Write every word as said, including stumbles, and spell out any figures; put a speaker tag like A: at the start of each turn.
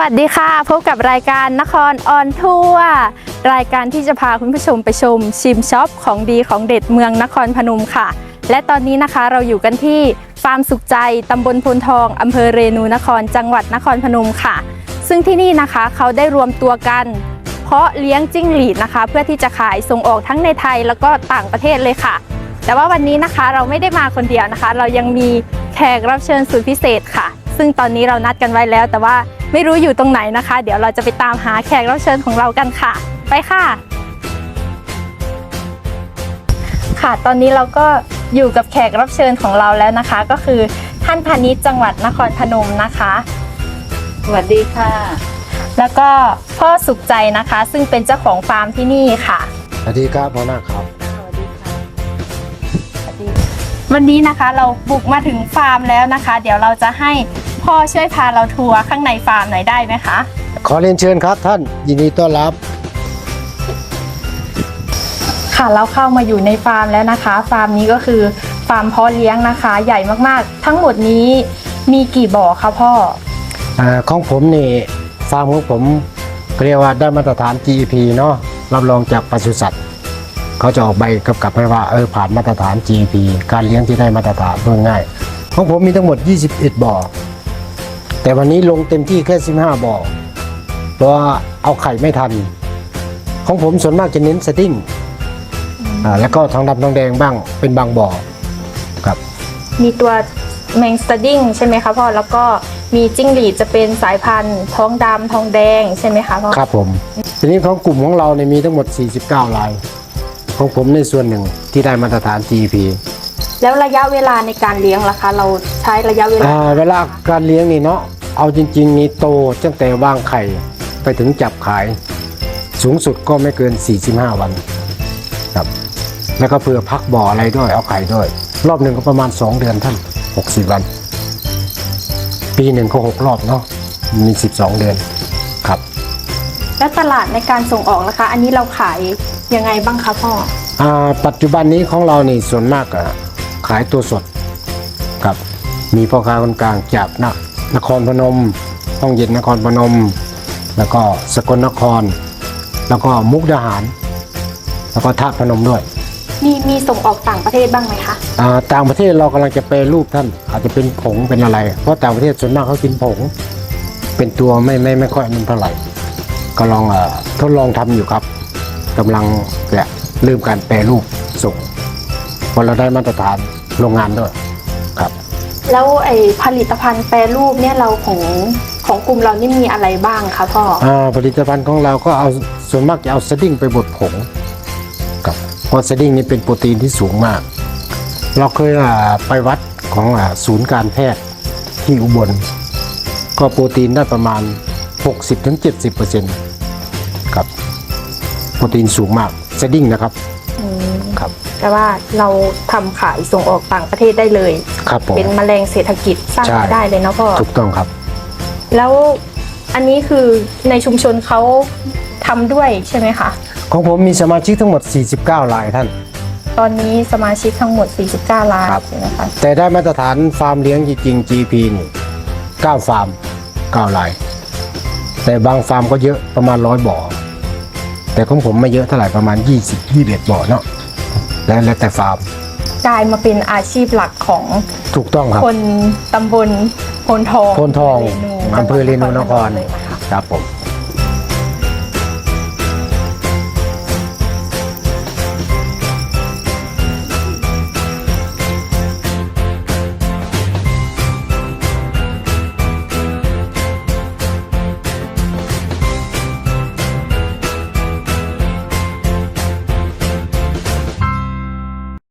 A: วัสดีค่ะพบกับรายการนครออนทัวร์รายการที่จะพาคุณผู้ชมไปชมชิมช็อปของดีของเด็ดเมืองนครพนมค่ะและตอนนี้นะคะเราอยู่กันที่ฟาร์มสุขใจตำบลพลทองอำเภอเรนูนครจังหวัดนครพนมค่ะซึ่งที่นี่นะคะเขาได้รวมตัวกันเพาะเลี้ยงจิ้งหรีดนะคะเพื่อที่จะขายส่งออกทั้งในไทยแล้วก็ต่างประเทศเลยค่ะแต่ว่าวันนี้นะคะเราไม่ได้มาคนเดียวนะคะเรายังมีแขกรับเชิญสุดพิเศษค่ะซึ่งตอนนี้เรานัดกันไว้แล้วแต่ว่าไม่รู้อยู่ตรงไหนนะคะเดี๋ยวเราจะไปตามหาแขกรับเชิญของเรากันค่ะไปค่ะค่ะตอนนี้เราก็อยู่กับแขกรับเชิญของเราแล้วนะคะก็คือท่านพาณิชย์จังหวัดนครพนมนะคะ
B: สวัสดีค่ะ
A: แล้วก็พ่อสุขใจนะคะซึ่งเป็นเจ้าของฟาร์มที่นี่ค่ะ
C: สวัสดีครับพ่อหน้าครับ
B: สวัสดีค่ะ
A: วันนี้นะคะเราบุกมาถึงฟาร์มแล้วนะคะเดี๋ยวเราจะให้พ่อช่วยพาเราทัวร์ข้างในฟาร์มหน่อยได้ไหมคะ
C: ขอเรียนเชิญครับท่านยินดีต้อนรับ
A: ค่ะเราเข้ามาอยู่ในฟาร์มแล้วนะคะฟาร์มนี้ก็คือฟาร์มเพาะเลี้ยงนะคะใหญ่มากๆทั้งหมดนี้มีกี่บ่อคะพ่อ
C: อ่าของผมนี่ฟาร์มของผมเรียกว่าได้มาตรฐาน จี อี พี เนาะรับรองจากปศุสัตว์เขาจะออกใบกำกับให้ว่าเออผ่านมาตรฐาน จี อี พี การเลี้ยงที่ได้มาตรฐานเพื่อง่ายของผมมีทั้งหมดยี่สิบเอ็ดบ่อแต่วันนี้ลงเต็มที่แค่สิบห้าบ่อเพราะว่าเอาไข่ไม่ทันของผมส่วนมากจะเน้นสติ้งอ่าแล้วก็ทองดำทองแดงบ้างเป็นบางบ่อครับ
A: มีตัวแมงสดิ้งใช่ไหมคะพ่อแล้วก็มีจิ้งหรีดจะเป็นสายพันธุ์ทองดำทองแดงใช่ไหมคะพ่อ
C: ครับผมทีนี้ของกลุ่มของเราเนี่ยมีทั้งหมดสี่สิบเก้ารายของผมในส่วนหนึ่งที่ได้มาตรฐาน จี อี พี
A: แล้วระยะเวลาในการเลี้ยงล่ะคะเราใช้ระยะเวลา
C: เวลาการเลี้ยงนี่เนาะเอาจริงๆนี่โตตั้งแต่วางไข่ไปถึงจับขายสูงสุดก็ไม่เกินสี่สิบห้าวันครับแล้วก็เผื่อพักบ่ออะไรด้วยเอาไข่ด้วยรอบหนึ่งก็ประมาณสองเดือนท่านหกสิบวันปีหนึ่งก็หกรอบเนาะมีสิบสองเดือนครับ
A: แล้วตลาดในการส่งออกนะคะอันนี้เราขายยังไงบ้างคะพ่อ
C: อ่าปัจจุบันนี้ของเรานี่ส่วนมากอะขายตัวสดครับมีพ่อค้าคนกลางจากนนครพนมห้องเย็นนครพนมแล้วก็สกลนครแล้วก็มุกดาหารแล้วก็ท่าพนมด้วย
A: มีมีส่งออกต่างประเทศบ้างไหมคะ
C: อ่าต่างประเทศเรากำลังจะแปรรูปท่านอาจจะเป็นผงเป็นอะไรเพราะต่างประเทศส่วนมากเขากินผงเป็นตัวไม่ไม่ไม่ค่อยนุ่มเท่าไหร่ก็ลองอ่าทดลองทำอยู่ครับกำลังจะเริ่มการแปรรูปส่งพอเราได้มาตรฐานโรงงานด้วยครับ
A: แล้วไอ้ผลิตภัณฑ์แปรรูปเนี่ยเราของของกลุ่มเรานี่มีอะไรบ้างคะพ่อ
C: อ่าผลิตภัณฑ์ของเราก็เอาส่วนมากจะเอาสดิ้งไปบดผงครับเพราะสดิ้งนี่เป็นโปรตีนที่สูงมากเราเคยไปวัดของศูนย์การแพทย์ที่อุบลก็โปรตีนได้ประมาณ หกสิบถึงเจ็ดสิบเปอร์เซ็นต์ ครับโปรตีนสูงมากสดิ้งนะครับ
A: ครับแต่ว่าเราทำขายส่งออกต่างประเทศได้เลย
C: ครับผม
A: เป็นแมลงเศรษฐกิจสร้างรายได้เลยเนาะพ่อ
C: ถูกต้องครับ
A: แล้วอันนี้คือในชุมชนเขาทำด้วยใช่ไหมคะ
C: ของผมมีสมาชิกทั้งหมดสี่สิบเก้ารายท่าน
A: ตอนนี้สมาชิกทั้งหมดสี่สิบเก้ารายใช่ไหมคะ
C: แต่ได้มาตรฐานฟาร์มเลี้ยงจริงๆ จี พี นี่เก้าฟาร์มเก้ารายแต่บางฟาร์มก็เยอะประมาณร้อยบ่อแต่ของผมไม่เยอะเท่าไหร่ประมาณยี่สิบ ยี่สิบเอ็ดบ่อเนาะแล้วแล้วแต่ฟาร์ม
A: กลายมาเป็นอาชีพหลักของ
C: ถูกต้องครับ
A: คนตำบลโพนทอง
C: โพนทองอำเภอเรนูนครครับผม